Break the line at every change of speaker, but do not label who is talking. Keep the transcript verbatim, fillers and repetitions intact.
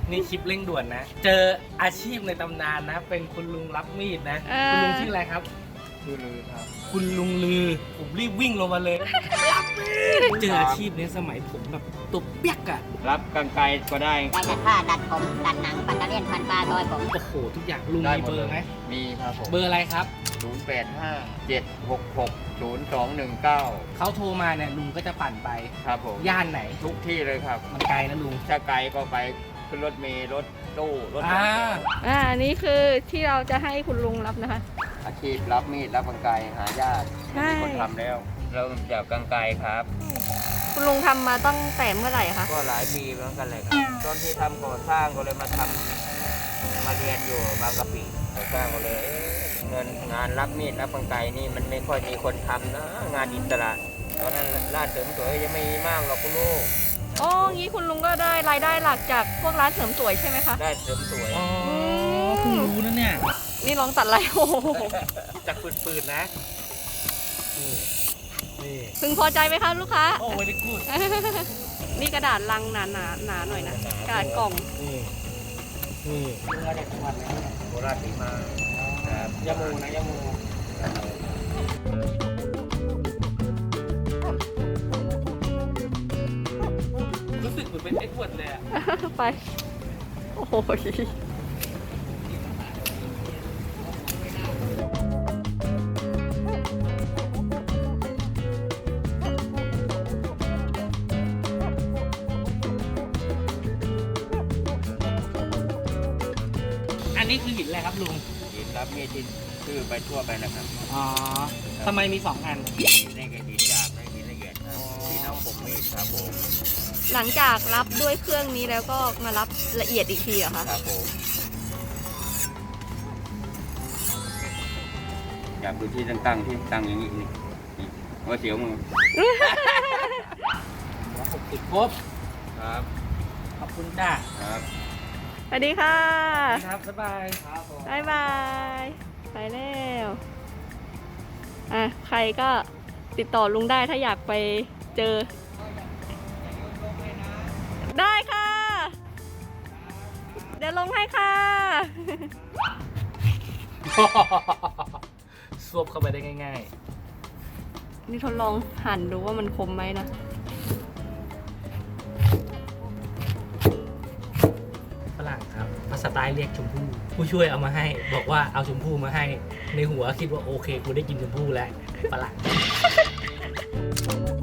นี่คลิปเร่งด่วนนะ เจออาชีพในตำนานนะ เป็นคุณลุงรับมีดนะ คุณลุงชื่ออะไรครับชื่อลือครับคุณลุงลือผมรีบวิ่งลงมาเลยรับมีดเจออาชีพนี้สมัยผมแบบตัวเปียกอะ
รับกางไกลก็ได้
ได้ดัดผ้าดัดผมดัดหนังปัตเตอร์เลียนพันปลาซอยผม
โอ้โหทุกอย่างลุง
ได้
มี
หม
เบ
ด
อ
เลย
ร์ไหม
มีครับผม
เบอร์อะไรครับ
ศูนย์ แปด ห้า เจ็ด หก หก ศูนย์ สอง หนึ่ง เก้า
เขาโทรมาเนี่ยลุงก็จะปั่นไป
ครับผม
ย่านไหน
ทุกที่เลยครับ
มันไกลนะลุง
ถ้าไกลก็ไปขึ้นรถเมล์รถตู้รถ
อ่า
อ่าอันนี้คือที่เราจะให้คุณลุงรับนะคะ
อาชีพรับมีดรับกางไกลหายาก
ใช่
มีคนทำแล้ว เราจากกางไกลครับ
คุณลุงทำมาตั้งแต่เมื่อไหร่คะ
ก็หลายปีเหมือนกันเลยครับตอนที่ทำก่อสร้างก็เลยมาทำมาเรียนอยู่บางกะปิก่อสร้างก็เลยเอ๊ะเงินงานรับมีดรับกางไกลนี่มันไม่ค่อยมีคนทำนะงานอิสระตอนนั้นร้านเสริมสวยยังไม่มีมากหรอกคุณลูก
อ๋องี้คุณลุงก็ได้รายได้หลักจากพวกร้านเสริมสวยใช่ไหมคะ
ได้เสริมสวย
อ๋อเพิ่งรู้นะเนี่ย
นี่ลองตัดอะไรโอ้โห
จากปืนๆนะ นี่ นี่
พึงพอใจไหมคะลูกค้า
โอ้ยนี่กูด
นี่กระดาษลังหนาหนาหนาหน่อยนะ กระดาษกล่อง
นี่ นี่ลุงมาจากจังหวัดไหนเนี่ย
โคราชสีมาครับ
ยะโมนะยะโมรู้สึกเหมือนเป็นเอ็ดเวิร์ดเลยอะ
ไป โอ้โห
อันนี้คือหินอะไรครับลุง
หินรับมีดที่ชื่อไปทั่วไปนะครับ
อ๋อทำไมมีสองอัน
นี่ก็หินหยาบนี่หินละเอียดครับหินเอาผมมีดครับผม
หลังจากรับด้วยเครื่องนี้แล้วก็มารับละเอียดอีกทีเหรอคะ
ครับผมอยากดูที่ตั้งๆที่ตั้งอย่างนี้นี่นี่ว่าเสียวมือ
หกสิบครบ
ครับ
ขอบคุณจ้า
ครับ
สวัสดีค่ะ
ครับบ๊ายบายครับผม
บายบาย ไปแล้ว อ่ะ ใครก็ติดต่อลุงได้ถ้าอยากไปเจอ ได้ค่ะ เดี๋ยวลงให้ค่ะ
สวบเข้าไปได้ง่าย
นี่ทดลองหั่นดูว่ามันคมไหมนะ
ๆฝรั่งครับภาษาใต้เรียกชมพู่ผู้ช่วยเอามาให้ บอกว่าเอาชมพู่มาให้ ในหัวคิดว่าโอเคกูได้กินชมพู่แล้วฝรั่ง